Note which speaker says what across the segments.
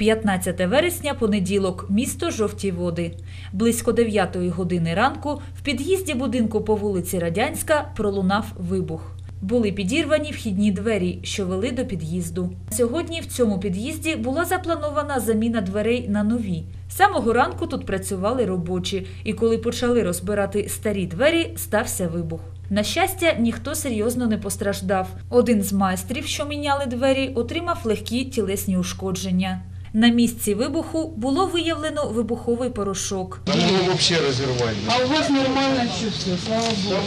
Speaker 1: 15 вересня, понеділок, місто Жовті Води. Близько 9 години ранку в під'їзді будинку по вулиці Радянська пролунав вибух. Були підірвані вхідні двері, що вели до під'їзду. Сьогодні в цьому під'їзді була запланована заміна дверей на нові. З самого ранку тут працювали робочі, і коли почали розбирати старі двері, стався вибух. На щастя, ніхто серйозно не постраждав. Один з майстрів, що міняли двері, отримав легкі тілесні ушкодження. На місці вибуху було виявлено вибуховий порошок.
Speaker 2: Там его вообще разорвали.
Speaker 3: А у вас нормально чувство, слава Богу.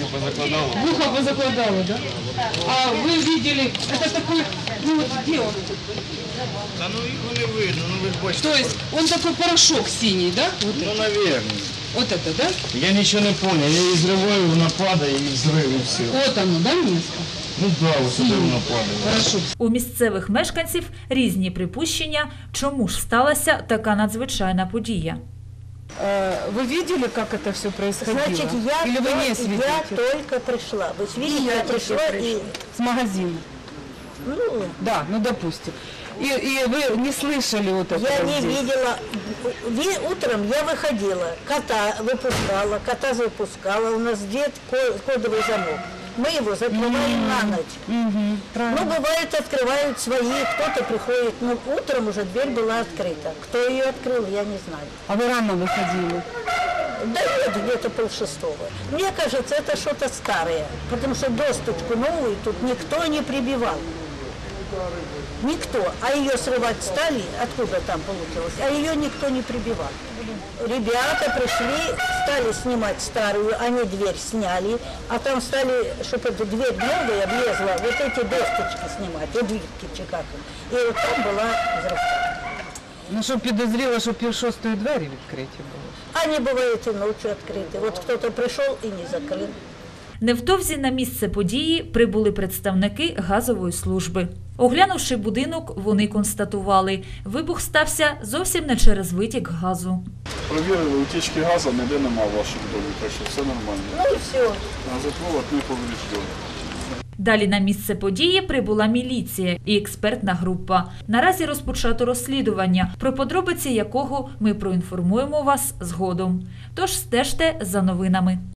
Speaker 3: Ухо позакладало, да? А вы видели, это такой, ну вот где он?
Speaker 2: Да ну его не видно, ну вы же бачите.
Speaker 3: То есть он такой порошок синий, да? Вот,
Speaker 2: Ну, наверное.
Speaker 3: вот это, да?
Speaker 2: Я ничего не понял, я изрываю, нападаю и взрыв и все.
Speaker 3: Вот оно, да, место?
Speaker 2: Ну да, вот сюда нападаю.
Speaker 3: Порошок.
Speaker 1: У місцевих мешканців різні припущення, чому ж сталася така надзвичайна подія.
Speaker 3: Вы видели, как это все происходило?
Speaker 4: Значит,
Speaker 3: Или вы не
Speaker 4: я
Speaker 3: свидетель?
Speaker 4: только пришла. Вы видите, я пришла и...
Speaker 3: С магазина?
Speaker 4: Ну,
Speaker 3: Да, ну допустим. И вы не слышали вот этого
Speaker 4: я не
Speaker 3: здесь?
Speaker 4: видела. Утром я выходила, кота выпускала, кота запускала. У нас дед кодовый замок. Мы его закрываем на ночь. Ну,
Speaker 3: Правильно.
Speaker 4: бывает, открывают свои, кто-то приходит. Но утром уже дверь была открыта. Кто ее открыл, я не знаю.
Speaker 3: А вы рано выходили?
Speaker 4: Да нет, где-то 5:30. Мне кажется, это что-то старое, потому что досточку новую тут никто не прибивал. Никто. А ее срывать стали, откуда там получилось, а ее никто не прибивал. Ребята пришли, стали снимать старую, они дверь сняли, а там стали, чтобы эту дверь новая влезла, вот эти досточки снимать, вот дверки как. И вот там была взрывка.
Speaker 3: Ну, щоб підозріло, що 5:30 двері відкриті були.
Speaker 4: Они бывают и ночью открыты. Вот кто-то пришел и не закрыл.
Speaker 1: Невдовзі на місце події прибули представники газової служби. Оглянувши будинок, вони констатували, вибух стався зовсім не через витік газу.
Speaker 5: Провірили, утічки газу ніде нема в вашому домі, так що все нормально.
Speaker 4: Ну и все.
Speaker 5: Газопровод не повреждений.
Speaker 1: Далі на місце події прибула міліція і експертна група. Наразі розпочато розслідування, про подробиці якого ми проінформуємо вас згодом. Тож стежте за новинами.